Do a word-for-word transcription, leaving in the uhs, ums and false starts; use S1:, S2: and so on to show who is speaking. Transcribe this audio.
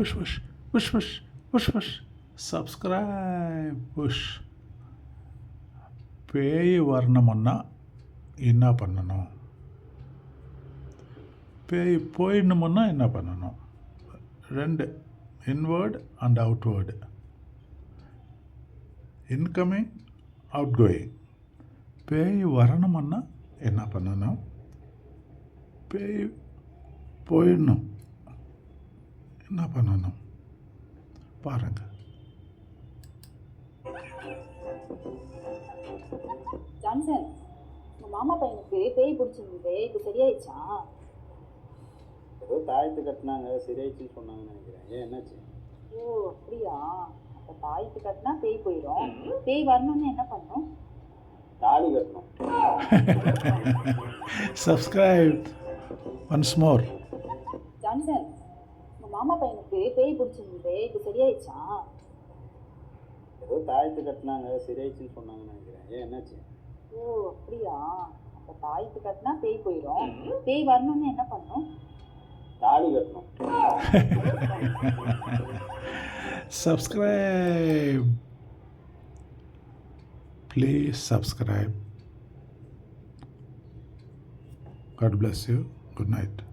S1: Push push push push push push subscribe push. பேய் வரணுமுன்னா என்ன பண்ணணும், பேய் போயிடணுமுன்னா என்ன பண்ணணும்? ரெண்டு, inward and outward, incoming outgoing. பேய் வரணுமுன்னா என்ன பண்ணணும், பேய் போயிடணும் என்ன பண்ணணும் பாருங்கள்.
S2: ஜான்சன், உங்க மாமா பையனுக்கு பேய் பிடிச்சிருந்தது, இப்போ சரியாயிடுச்சா?
S3: ஏதோ தாயத்து கட்டினாங்க, சரியாயிடுச்சுன்னு சொன்னாங்கன்னு நினைக்கிறேன். ஏன் என்னாச்சு?
S2: ஓ அப்படியா? அப்போ தாயத்து கட்டினா பேய் போயிடும். பேய் வரணும்னு என்ன பண்ணும்?
S3: தாலி கட்டணும்.
S1: Subscribe once more.
S2: ஜான்சன், உங்க மாமா பையனுக்கு பேய் பிடிச்சிருந்தது, இப்போ சரியாயிடுச்சா?
S3: ஏதோ தாயத்து கட்டினாங்க, சரியாயிடுச்சுன்னு சொன்னாங்கன்னு நினைக்கிறேன். ஏன் என்னாச்சு?
S2: ஓ அப்படியா? அப்போ தாயத்து கட்டினா பேய் போயிடும். பேய் வரணும்னு என்ன பண்ணும்?
S3: தாலி கட்டணும்.
S1: Subscribe. Please subscribe. God bless you. Good night.